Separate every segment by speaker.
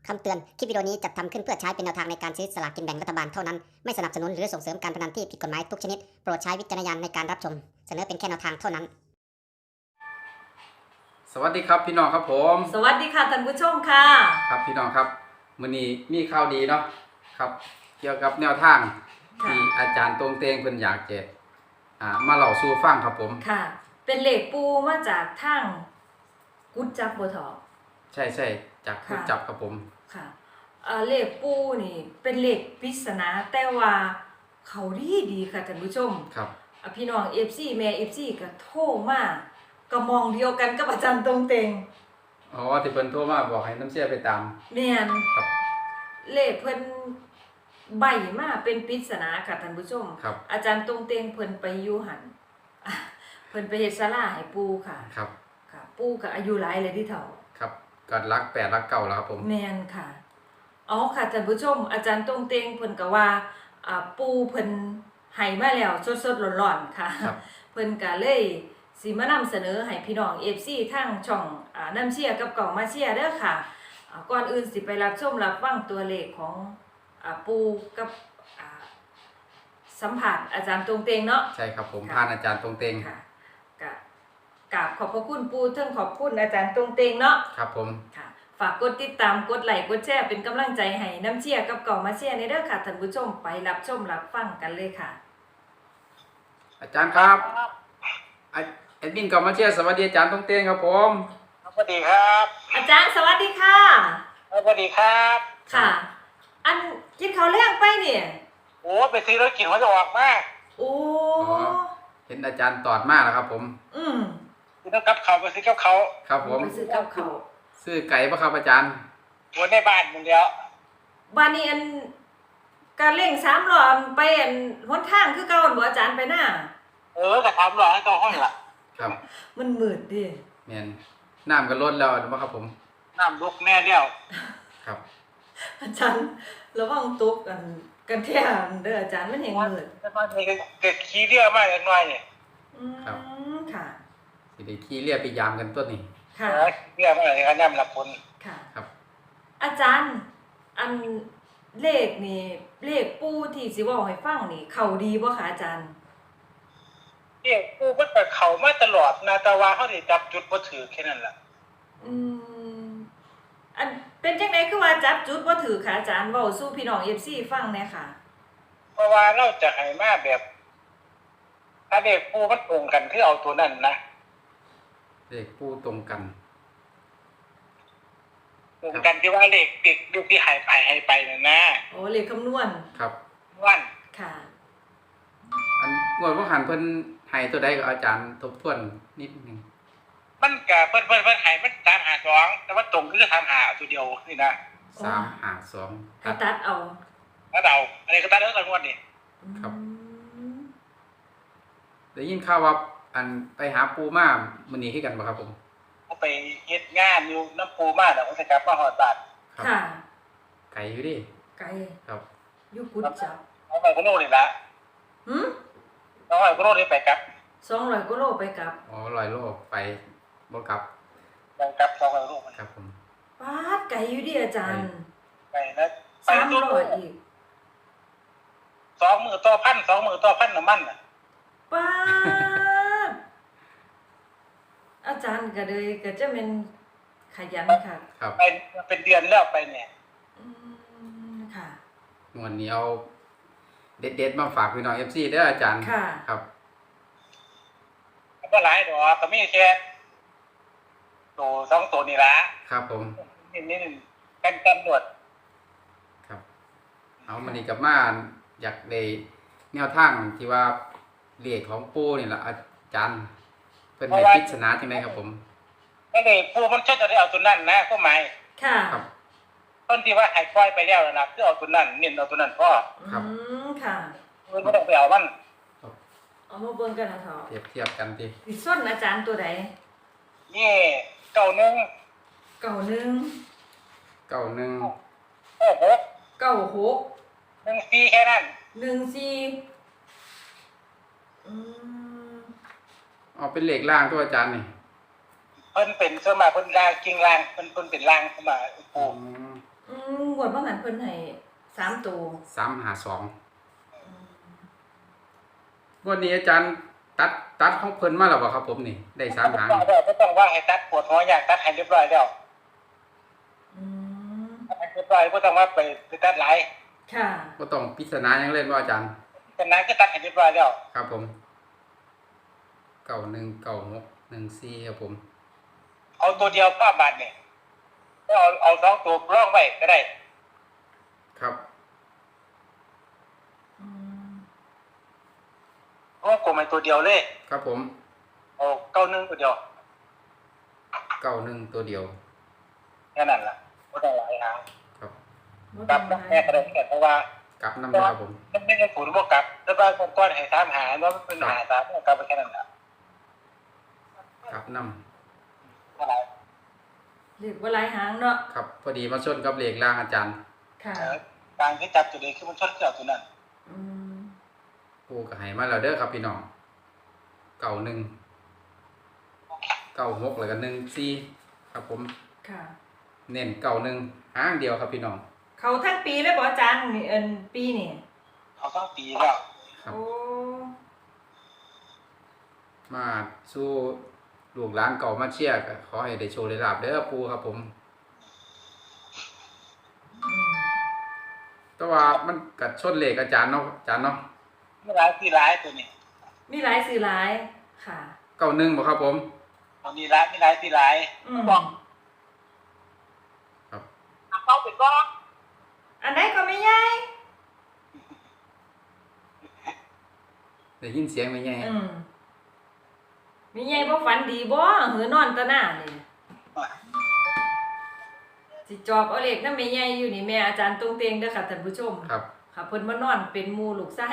Speaker 1: คำเตือน คลิปวิดีโอนี้จัดทำขึ้นเพื่อใช้เป็นแนวทางในการซื้อสลากกินแบ่งรัฐบาลเท่านั้น ไม่สนับสนุนหรือส่งเสริมการพนันที่ผิดกฎหมายทุกชนิด โปรดใช้วิจารณญาณในการรับชม เสนอเป็นแค่แนวทางเท่านั้น
Speaker 2: สวัสดีครับพี่น้องครับผม
Speaker 3: สวัสดีค่ะท่านผู้ชมค่ะ
Speaker 2: ครับพี่น้องครับมื้อนี้มีข่าวดีเนาะครับ เกี่ยวกับแนวทางที่อาจารย์ตรงเตงเพิ่นอยากจะมาเล่าสู่ฟังครับผม
Speaker 3: ค่ะ เป็นเหล็กปูมาจากทางกุดจับบัวทอง
Speaker 2: ใช่จากผู้จับครับผม
Speaker 3: ค่ะเหล็กปูนี่เป็นเหล็กปริศนาแต่ว่าเขาดีค่ะท่านผู้ชม
Speaker 2: ครับ
Speaker 3: พี่น้อง FC แม่ FC ก็โทรมาก็มองเดียวกันกับอาจารย์ตรงเตง
Speaker 2: อ๋อที่เพิ่นโทรมาบอกให้น้ำเสียไปตาม
Speaker 3: แม่น
Speaker 2: ครับ
Speaker 3: เลขเพิ่นใบมาเป็นปริศนาค่ะท่านผู้ชม
Speaker 2: ครับ
Speaker 3: อาจารย์ตรงเตงเพิ่นไปอยู่หัน เพิ่นไปเฮ็ดศาลาให้ปู่ค่ะ
Speaker 2: ครับ
Speaker 3: ค่ะ ปู่ก็อายุหลายเลยที่เฒ่า
Speaker 2: ครับก็รัก8รัก9แล้วครับผม
Speaker 3: แม่นค่ะอ๋อค่ะท่านผู้ชม อาจารย์ตรงเตงเพิ่นก็ว่าปู่เพิ่นให้มาแล้วสดๆร้อนๆค่ะ
Speaker 2: ครับ
Speaker 3: เพิ่นก็เลยสิมานำเสนอให้พี่น้อง FC ทางช่องน้ำเชียร์กับเก่ามาเชียร์เด้อค่ะก่อนอื่นสิไปรับชมรับฟังตัวเลขของปู่กับสัมผัสอาจารย์ตรงเตงเนาะ
Speaker 2: ใช่ครับผม
Speaker 3: ค่ะ
Speaker 2: ผ่านอาจารย์ตรงเตง
Speaker 3: ค่ะกราบขอบพระคุณปู่เทิงขอบคุณอาจารย์ตรงเตงเนาะ
Speaker 2: ครับผม
Speaker 3: ค่ะฝากกดติดตามกดไลค์กดแชร์เป็นกำลังใจให้น้ำเชียร์กับเก่ามาเชียร์ในเด้อค่ะท่านผู้ชมไปรับชมรับฟังกันเลยค่ะ
Speaker 2: อาจารย์ครับแอดมินก็มาเชียร์สวัสดีอาจารย์ตรงเตงครับผม
Speaker 4: สวัสดีครับ
Speaker 3: อาจารย์สวัสดีค่ะ
Speaker 4: สวัสดีครับ
Speaker 3: ค่ะ อันกินข้าวแล้งไปเนี่ย
Speaker 4: โอ้ไปซื้อรถกินเขาจะออกมาก
Speaker 3: โอ้
Speaker 2: อ๋อเห็นอาจารย์ตอดมาแล้วครับผม
Speaker 3: อืม
Speaker 4: ซื้อน้ำกับเขาไปซื้อกับเขา
Speaker 2: ครับผม
Speaker 3: ไปซื้อกับข้าว
Speaker 2: ซื้อไก่ปะครับอาจารย์
Speaker 4: หัวในบ้านมึงแล้ว
Speaker 3: บ้านนี้อันการเล่ง3รอบไปอันหนทางคือเก่าอันบ่อาจารย์ไปหน้า
Speaker 4: กระทำหล่อให้ตัวห้องล่ะ
Speaker 2: ครับ
Speaker 3: มันมืดดิ
Speaker 2: แม่นน้ำก็ลดแล้วนะครับผม
Speaker 4: น้ำลุกแน่เดียว
Speaker 2: ครับ
Speaker 3: อาจารย์ระวังตกกันแท้เด้ออาจารย์มันเห็นมืด
Speaker 4: แล้วมันมีเกิดขี้เดียวมากเล็กน้อยเนี่ย
Speaker 3: อืมค่ะ
Speaker 2: สิได้ขี่เรียไปยามกันตัวนี้
Speaker 3: ค่ะ
Speaker 4: ขี้เดียวมากเลยครับน้ำหลับคน
Speaker 3: ค่ะ
Speaker 2: ครับ
Speaker 3: อาจารย์อันเลขนี่เลขปู่ที่สิเว้าให้ฟังนี่เข้าดีบ่คะอาจารย์
Speaker 4: เนี่ยกูมันไปเขามาตลอดนาตาวาเขาได้จับจุดบ่ถือแค่นั้นแหละ
Speaker 3: อืมอันเป็นจังไดคือว่าจับจุดบ่ถือค่ะอาจารย์เว้าสู่พี่น้อง FC ฟังแหน่ค่ะ
Speaker 4: เพราะว่าเราจะให้มาแบบ ถ้าเด็กกูมันตรงกันคือเอาตัวนั้นนะ
Speaker 2: เลขปูตรงกัน
Speaker 4: ตรงกันที่ว่าเลขติดดูที่หายไปนั่นนะ
Speaker 3: โอ้เลขคำนวณ
Speaker 2: ครับ
Speaker 4: วัน
Speaker 3: ค่ะ
Speaker 2: อันงวดว่าหันเพิ่นให้ตัวใดก็อาจารย์ทบทวนนิดนึง
Speaker 4: มันกับเพิ่นหายมัน352แต่ว่าตรงคือ35ตัวเดียวนี่นะ
Speaker 2: 352
Speaker 3: ให้ตัดเอา
Speaker 4: แล้วเราอันนี้ก็ตัดแล้วกันงวดนี่
Speaker 2: ครับ
Speaker 3: อืม
Speaker 2: ได้ยินข่าวว่าอันไปหาปูมามื้อนี้คือกันบ่ครับผม
Speaker 4: เขาไปเฮ็ดงานอยู่น้ำปูมาแล้วเขาจะกลับมาฮอดบ้าน
Speaker 2: ครับ
Speaker 3: ค่ะ
Speaker 2: ไก่อยู่ดิ
Speaker 3: ไกล
Speaker 2: ครับ
Speaker 3: อยู่กุดจับ
Speaker 4: เอาไปคนโน่นนี่ละ
Speaker 3: หืม
Speaker 4: เอาไปคนโน่นนี่ไปกลับ
Speaker 3: 200กว่าโลไปกลับ
Speaker 2: อ๋อ100โลไปบ่กลับ
Speaker 4: ไปกลับ200รูป
Speaker 2: ครับผม
Speaker 3: ปาดไกลอยู่ดิอาจารย์
Speaker 4: ไปนะไปตู้
Speaker 3: 300อีก
Speaker 4: 2 มื้อต่อพัน2 มื้อต่อพันน้ำมันน่ะ
Speaker 3: ปาดอาจารย์ก็เลยก็จะเป็นขยันค่ะ
Speaker 2: ครับ
Speaker 4: ไปเป็นเดือนแล้วไปเนี่ย
Speaker 3: อืมค่ะ
Speaker 2: งวดนี้เอาเด็ดๆมาฝากพี่น้อง FC เด้ออาจารย์
Speaker 3: ค่ะ
Speaker 2: ครับ
Speaker 4: ก็หลายดอกก็มีแค่ตัว2ตัวนี่ละ
Speaker 2: ครับผม
Speaker 4: นี่กันตำรวจ
Speaker 2: ครับ เอามันนี่กลับมาอยากได้แนวทางที่ว่าเลขของปูนี่ล่ะอาจารย์เพิ่นให้ปริศนาจังไดครับผม
Speaker 4: นั่นเองผู้มันชอบจะได้เอาตัวนั้นนะผู้หมาย
Speaker 3: ค่ะ
Speaker 2: ครับ
Speaker 4: ต้นที่ว่าหายปล่อยไปแล้วนะคือเอาตัวนั้นเน้นเอาตัวนั้นพ่อ
Speaker 2: ครับ
Speaker 3: อืมค่ะ
Speaker 4: มันไม่ต้องไปเอามัน
Speaker 3: เอามาเบิ่งกันนะเถาะ
Speaker 2: เทียบกันติ
Speaker 3: สิส้นอาจารย์ตัวใด
Speaker 4: นี่เก่าหนึ่ง
Speaker 3: เก่าหนึ่ง
Speaker 2: 91
Speaker 4: โอ้โห
Speaker 3: เก่าหก
Speaker 4: 1 4แค่นั้น
Speaker 3: 14อืม
Speaker 2: เอาเป็นเลขล่างตัวอาจารย์นี่
Speaker 4: เพิ่นเป็นสวนมากเพิ่นลางกิ่งลางเพิ่นเป็นลางเข้ามา
Speaker 2: อื
Speaker 4: ปู
Speaker 2: ม
Speaker 3: อืงวดว่าหันเพิ่นให้3ตัว
Speaker 2: 352วันนี้อาจารย์ตัดของเพิ่นมาแล้วบ่ครับผมนี่ได้3หาง
Speaker 4: ไม่ต้องว่าให้ตัดปวดหัวอยากตัดให้เรียบร้อยแล้ว
Speaker 3: อืม
Speaker 4: ตัดให้เรียบร้อยไม่ต้องว่าไปตัดหลาย
Speaker 3: ค่ะ
Speaker 2: บ่ต้องปริศนาหยังเล่นบ่อาจารย์
Speaker 4: เป็นนั้นก็ตัดให้เรียบร้อยแล้ว
Speaker 2: ครับผม919614ครับผม
Speaker 4: เอาตัวเดียวป้าบาทเนี่ยเอา2ตัวร่องไว้ก็ได้
Speaker 2: ครับ
Speaker 3: อืม
Speaker 4: ร่องกลมเป็นตัวเดียวเลย
Speaker 2: ครับผม
Speaker 4: เอา91ตัวเดียว
Speaker 2: 91ตัวเดียว
Speaker 4: แค่นั้นล่ะไม่ต้องหลายหาง
Speaker 2: ครับ
Speaker 3: บ่
Speaker 4: ก
Speaker 3: ต้
Speaker 4: ลั
Speaker 3: อบ งหลาย
Speaker 4: แม่ก็ได้เหมือนกันเพราะว่าก
Speaker 2: ลับนำนะครับผม
Speaker 4: มันไม่ได้ผลบ่กลับแล้วบ้านก้อนให้3หาแล้วมันเป็นหา3กลับไปแค่นั้นล่ะ
Speaker 2: กลับนำ
Speaker 4: อะไร
Speaker 3: เลขบ่หลายหางเนาะ
Speaker 2: ครับพอดีมาชนกับเลขล่างอาจารย์
Speaker 3: ค่ะ
Speaker 4: การที่จับตัวนี้คือมันชดเกี่ยวตัวนั้น
Speaker 3: อืม
Speaker 2: ปูก็ให้มาแล้วเด้อครับพี่น้อง91 96แล้วก็14ครับผม
Speaker 3: ค่ะ
Speaker 2: เน้น91หางเดียวครับพี่น้อง
Speaker 3: เขาทั้งปีเลยบ่อาจารย์นี่ปีนี่
Speaker 4: เขาต้องปีแล้ว
Speaker 2: ครับ
Speaker 3: โอ้
Speaker 2: มาสู้ลูกหลานเก่ามาเชียร์ก็ขอให้ได้โชว์ได้ลาบเด้อปูครับผม
Speaker 3: อืม
Speaker 2: แต่ว่ามันกัดชนเลขอาจารย์เนาะอาจารย์เนาะ
Speaker 4: ไม่ร้ายที่ร้ายตัวนี้
Speaker 3: มีหลายสื่อหลายค่ะ
Speaker 2: 91บ่ครับผม
Speaker 4: ตอนนี้ร้ายไม่ร้ายที่ร้าย
Speaker 3: อืม
Speaker 2: ครับ
Speaker 4: เขาเป็นก้อน
Speaker 3: อันไหนก็ไม่ใหญ่
Speaker 2: ได้ยินเสียงไหมไง
Speaker 3: อืมมีใหญ่บ่ฝันดีบ่หือนอนตะหน้านี่สิจอบเอาเลขนำแม่ใหญ่อยู่นี่แม่อาจารย์ตรงเตงเด้อค่ะท่านผู้ชม
Speaker 2: ครับ
Speaker 3: ค่ะเพิ่นมานอนเป็นหมู่ลูกชาย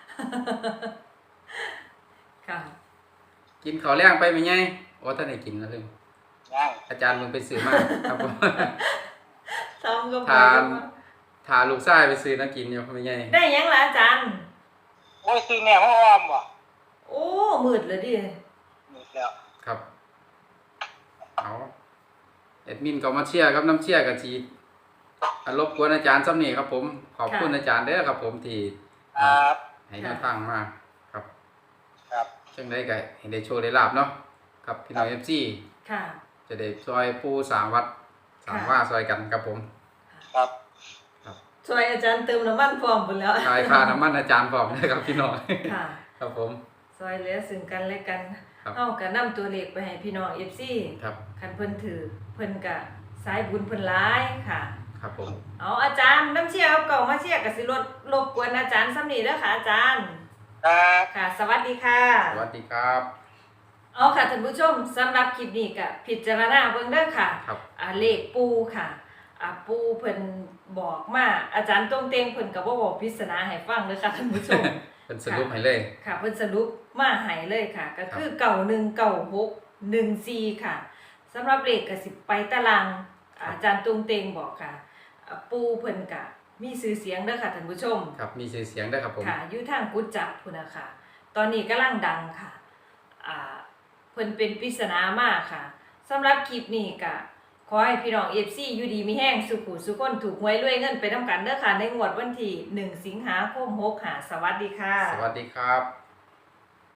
Speaker 3: ค่ะ
Speaker 2: กินข้าวแรงไปไหมไงโอ้ท่านได้กินแล้วเลย
Speaker 4: ย่าง
Speaker 2: อาจารย์มึงไปซื้อมาครับผม
Speaker 3: ซ้อมก็ไป
Speaker 2: ทาลูกชายไปซื้อนะกินอยู่ไหมไง
Speaker 3: ได้หยังล่ะอาจารย์
Speaker 4: โอ้ยซื้อแม่มาอ้อมว่ะ
Speaker 3: โอ้มืดเลยดิ
Speaker 4: หมดแล้ว
Speaker 2: ครับเอาแอดมินก็มาเชียร์ครับน้ำเชียร์กับจีรบกวนอาจารย์ซ้ำนี่ครับผมขอบคุณอาจารย์เด้อครับผมที่
Speaker 4: ครับ
Speaker 2: ให้แนวทางมาครับ
Speaker 4: ครับ
Speaker 2: จังได้ก็เห็นได้โชว์ได้ลาบเนาะครับพี่น้อง FC
Speaker 3: ค่ะ
Speaker 2: จะได้ซอยปูสามวัดสามว่าซอยกันครับผม
Speaker 4: ครับ
Speaker 3: ช่วยอาจารย์เติมน้ำมันพร้อมพุ่นแล้ว
Speaker 2: ทายค่าน้ำมันอาจารย์พร้อมนะครับพี่น้อง
Speaker 3: ค่ะ
Speaker 2: ครับผม
Speaker 3: ซอยเหลือซึ่งกันและกัน
Speaker 2: ครับ
Speaker 3: เฮาก็นำตัวเลขไปให้พี่น้อง FC
Speaker 2: ครับ
Speaker 3: คันเพิ่นถือเพิ่นก็สายบุญเพิ่นหลายค่ะ
Speaker 2: ครับผม
Speaker 3: เอาอาจารย์น้ำเชี่ยเอาเก่ามาเชี่ยก็สิรบกวนอาจารย์ซ้ำนี้เด้อค่ะอาจารย์
Speaker 4: ครับ
Speaker 3: ค่ะ สวัสดีค่ะ
Speaker 2: สวัสดีครับ
Speaker 3: เอาค่ะท่านผู้ชมสำหรับคลิปนี้ก็พิจารณาเบิ่งเด้อค่ะ
Speaker 2: ครับ
Speaker 3: เลขปูค่ะปูเพิ่นบอกมาอาจารย์ตรงเตงเพิ่นก็บ่บอกปริศนาให้ฟังเด้อค่ะท่านผู้ชม
Speaker 2: เป็นสรุปให้เลย
Speaker 3: ค่ะเพิ่นสรุปมาให้เลยค่ะ ก็คือ919614ค่ะสำหรับเลขก็สิไปตารางอาจารย์ตรงเตงบอกค่ะปูเพิ่นก็มีชื่อเสียงเด้อค่ะท่านผู้ชม
Speaker 2: ครับมีชื่อเสียงด้วยครับผม
Speaker 3: ค่ะอยู่ทางกุจจับพุ่นน่ะค่ะ ตอนนี้กำลังดังค่ะเพิ่นเป็นปริศนามากค่ะสำหรับคลิปนี้ก็ขอให้พี่น้อง FC อยู่ดีมีแห้งสุขุสุขคนถูกหวยรวยเงินไปนำกันเด้อค่ะในงวดวันที่1สิงหาคม65สวัสดีค่ะ
Speaker 2: สวัสดีครับ